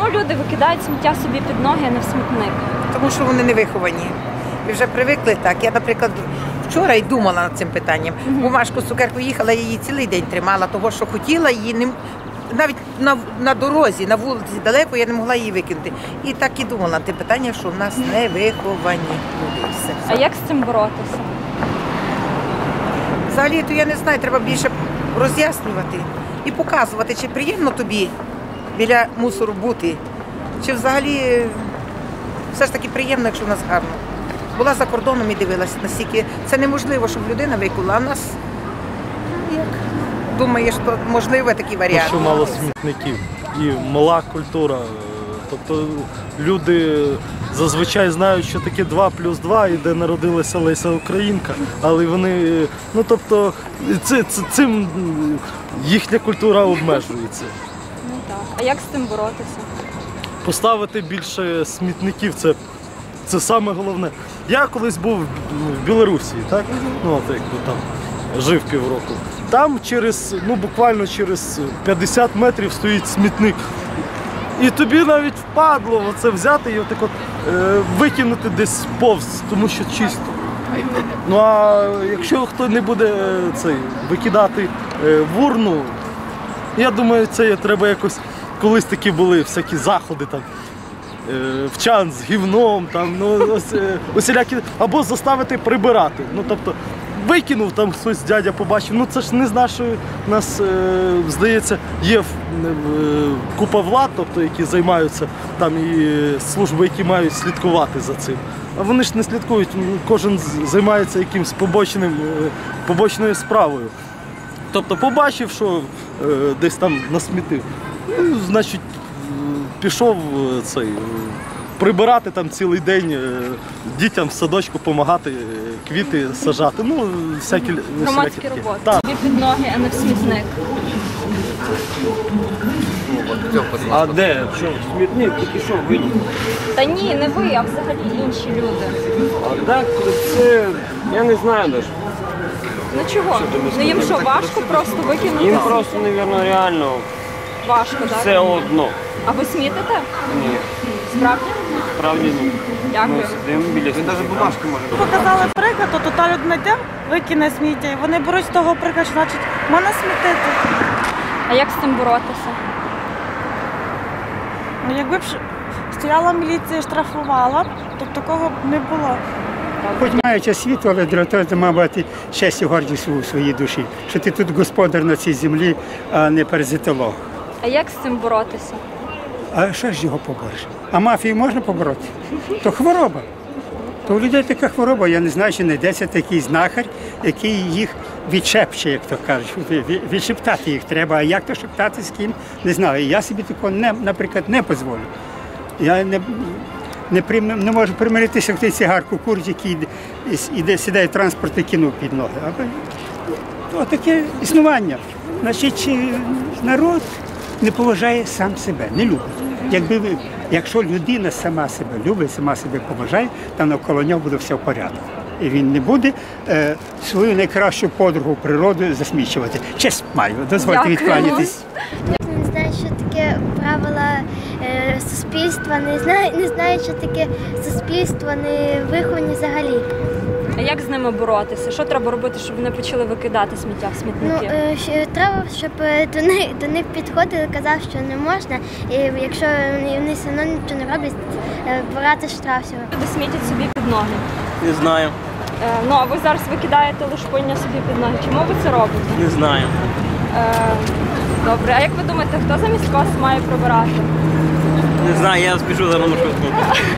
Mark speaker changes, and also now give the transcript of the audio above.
Speaker 1: люди викидають сміття собі під ноги, а не в смітник?
Speaker 2: Тому що вони не виховані. Ви вже привикли так. Я, наприклад, вчора й думала над цим питанням. Бумажку з цукеркою їхала, я її цілий день тримала, того, що хотіла, її не... навіть на дорозі, на вулиці далеко я не могла її викинути. І так і думала над тим питанням, що в нас не виховані люди. Все.
Speaker 1: А як з цим боротися?
Speaker 2: Взагалі, то я не знаю, треба більше роз'яснювати і показувати, чи приємно тобі біля мусору бути, чи взагалі все ж таки приємно, якщо в нас гарно. Була за кордоном і дивилася, наскільки це неможливо, щоб людина викинула, а в нас, як думаєш, що можливо такий варіант.
Speaker 3: Що мало смітників і мала культура. Тобто люди зазвичай знають, що таке 2+2 і де народилася Леся Українка, але вони, ну тобто, цим їхня культура обмежується.
Speaker 1: Ну так. А як з цим боротися?
Speaker 3: Поставити більше смітників це саме головне. Я колись був в Білорусі, так? Ну, от якби там жив півроку. Там буквально через 50 метрів стоїть смітник. І тобі навіть впадло оце взяти і отак викинути десь повз, тому що чисто. Ну а якщо хто не буде викидати в урну, я думаю, це треба якось, колись такі були всякі заходи там, в чан з гівном, там, ну, усілякі, або заставити прибирати. Ну, тобто, викинув, там хтось дядя побачив, ну це ж не з нашої, нас, здається, є купа влад, тобто, які займаються, там і служби, які мають слідкувати за цим. А вони ж не слідкують, кожен займається якимось побочною справою. Тобто побачив, що десь там насмітив, ну, значить, пішов прибирати там цілий день, дітям в садочку допомагати, квіти сажати, ну, всякі
Speaker 1: Громадські роботи. Собі під ноги, а не в смітник.
Speaker 4: А де? Що, смітник? Тільки що, ви?
Speaker 1: Та ні, не ви, а взагалі інші люди.
Speaker 4: А так, це, я не знаю навіть.
Speaker 1: Ну чого? Ну їм що, важко просто викинути?
Speaker 4: Їм просто, мабуть, реально
Speaker 1: Важко, так?
Speaker 4: все одно.
Speaker 1: А ви смітите?
Speaker 4: Ні,
Speaker 1: Справді?
Speaker 4: справді ні.
Speaker 1: Дякую.
Speaker 4: Ми сидимо біля смітника. Навіть бумажки може.
Speaker 5: Показали приклад, то та людина йде, викине сміття, і вони беруть з того приклад, що, значить, можна смітити.
Speaker 1: А як з цим боротися?
Speaker 5: Ну, якби б стояла міліція і штрафувала, то б такого б не було.
Speaker 6: Хоч маючи освіту, але дратує, має бути щастя і гордість у своїй душі, що ти тут господар на цій землі, а не паразитолог.
Speaker 1: А як з цим боротися?
Speaker 6: А що ж його побореш? А мафію можна побороти? То хвороба. То у людей така хвороба, я не знаю, чи знайдеться такий знахар, який їх відшепче, як то кажуть. Відшептати їх треба, а як то шептати з ким, не знаю. Я собі такого, наприклад, не дозволю. Я не можу примиритися, як той цигарку курить, який сідає в транспорт і кинув під ноги. Ось таке існування. Значить, народ не поважає сам себе, не любить. Якщо людина сама себе любить, сама себе поважає, то навколо нього буде все в порядку. І він не буде свою найкращу подругу природу засмічувати. Честь маю, дозвольте відкланятись.
Speaker 7: Не знаю, що таке правила суспільства, не знаю, що таке суспільство, не виховані взагалі.
Speaker 1: А як з ними боротися? Що треба робити, щоб вони почали викидати сміття в смітники?
Speaker 7: Треба, щоб до них підходили, казав, що не можна, і якщо вони все одно нічого не роблять, брати штраф всього.
Speaker 1: Люди смітять собі під ноги.
Speaker 4: Не знаю.
Speaker 1: Ну, а ви зараз викидаєте лушпиння собі під ноги. Чому ви це робите?
Speaker 4: Не знаю.
Speaker 1: Добре, а як ви думаєте, хто замість вас має прибирати?
Speaker 4: Не знаю, я спішу за маршрутку.